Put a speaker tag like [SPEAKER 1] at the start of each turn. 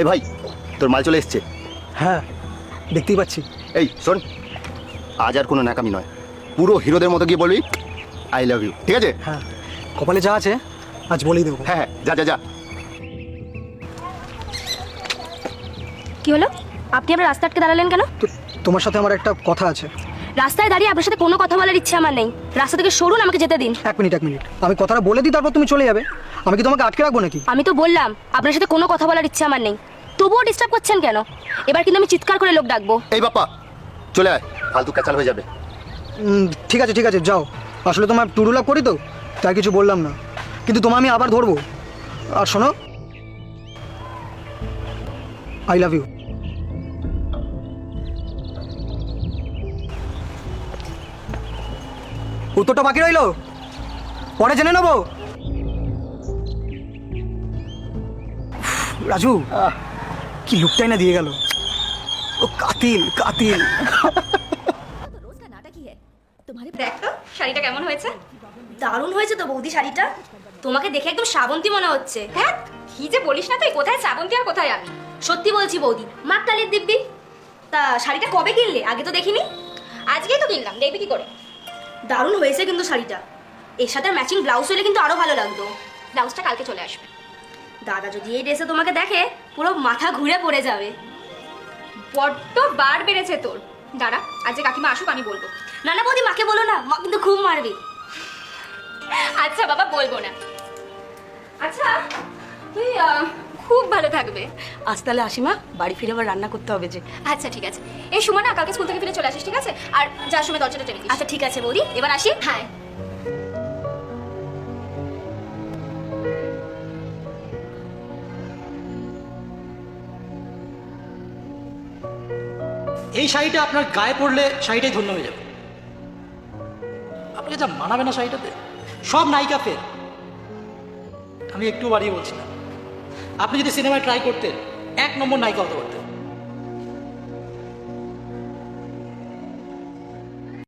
[SPEAKER 1] এই ভাই, তোর মাল চলে এসছে।
[SPEAKER 2] হ্যাঁ দেখতেই পাচ্ছি।
[SPEAKER 1] এই শোন, আজ আর কোনো ন্যাকামি নয়, পুরো হিরোদের মতো গিয়ে বলবি আই লাভ ইউ, ঠিক আছে?
[SPEAKER 2] হ্যাঁ কপালে যা আছে আজ বলেই দেবো।
[SPEAKER 1] হ্যাঁ, যা যা যা।
[SPEAKER 3] কি হলো? আপনি আপনার রাস্তা আটকে দাঁড়ালেন কেন?
[SPEAKER 2] তো তোমার সাথে আমার একটা কথা আছে।
[SPEAKER 3] রাস্তায় দাঁড়িয়ে আপনার সাথে কোনো কথা বলার ইচ্ছে আমার নেই। রাস্তা থেকে সরুন, আমাকে যেতে দিন।
[SPEAKER 2] এক মিনিট আমি কথাটা বলে দিই, তারপর তুমি চলে যাবে। আমি কি তোমাকে আটকে রাখবো নাকি?
[SPEAKER 3] আমি তো বললাম আপনার সাথে কোনো কথা বলার ইচ্ছে আমার নেই, তবুও ডিস্টার্ব করছেন কেন? এবার কিন্তু আমি চিৎকার করে লোক ডাকবো।
[SPEAKER 1] এই বাপ্পা, চলে আয়, ফালতু ক্যাচাল হয়ে যাবে।
[SPEAKER 2] ঠিক আছে যাও। আসলে তোমার টুরু লাভ করি তো, তাই কিছু বললাম না, কিন্তু তোমায় আমি আবার ধরবো। আর শোনো, আই লাভ ইউ। উত্তরটা বাকি রইলো, পরে জেনে নেবো। রাজু কি লুকটাই না দিয়ে গেল। ও কাতিল কাতিল।
[SPEAKER 3] দেখ তো শাড়িটা কেমন হয়েছে? দারুণ হয়েছে তো বৌদি শাড়িটা। তোমাকে দেখে একদম শ্রাবন্তী মনে হচ্ছে। হ্যাঁ কি যে বলিস না তুই, কোথায় শ্রাবন্তী আর কোথায় আমি? সত্যি বলছি বৌদি, মাক কালির দিব্যি। তা শাড়িটা কবে কিনলে? আগে তো দেখিনি। আজকেই তো কিনলাম, দেখবি কি করে। দারুণ হয়েছে কিন্তু শাড়িটা। এর সাথে ম্যাচিং ব্লাউজ হলে কিন্তু আরো ভালো লাগতো। ব্লাউজটা কালকে চলে আসবে। দাদা যদি এই ড্রেসে তোমাকে দেখে পুরো মাথা ঘুরে পড়ে যাবে।
[SPEAKER 4] বড্ড বার বেড়েছে তোর। দাঁড়া, আজ যে কাকিমা আসুক আমি বলবো।
[SPEAKER 3] না না বৌদি, মাকে বলো না, মা কিন্তু খুব মারবে।
[SPEAKER 4] আচ্ছা বাবা, বলবো না। আচ্ছা তুই খুব ভালো থাকবে।
[SPEAKER 3] আজ তাহলে আসি মা, বাড়ি ফিরে আবার রান্না করতে হবে যে।
[SPEAKER 4] আচ্ছা ঠিক আছে, এই সময় না কালকে স্কুল থেকে ফিরে চলে আসিস, ঠিক আছে? আর যার সময় দরজাটা টেনে দিস।
[SPEAKER 3] আচ্ছা ঠিক আছে বৌদি, এবার আসি।
[SPEAKER 4] হ্যাঁ।
[SPEAKER 5] এই শাড়িটা আপনার গায়ে পড়লে শাড়িটাই ধন্য হয়ে যাবে। আপনাকে যা মানাবে না শাড়িটাতে, সব নায়িকা ফের। আমি একটু বাড়িয়ে বলছি না, আপনি যদি সিনেমায় ট্রাই করতেন 1 নম্বর নায়িকা হতে পারতেন।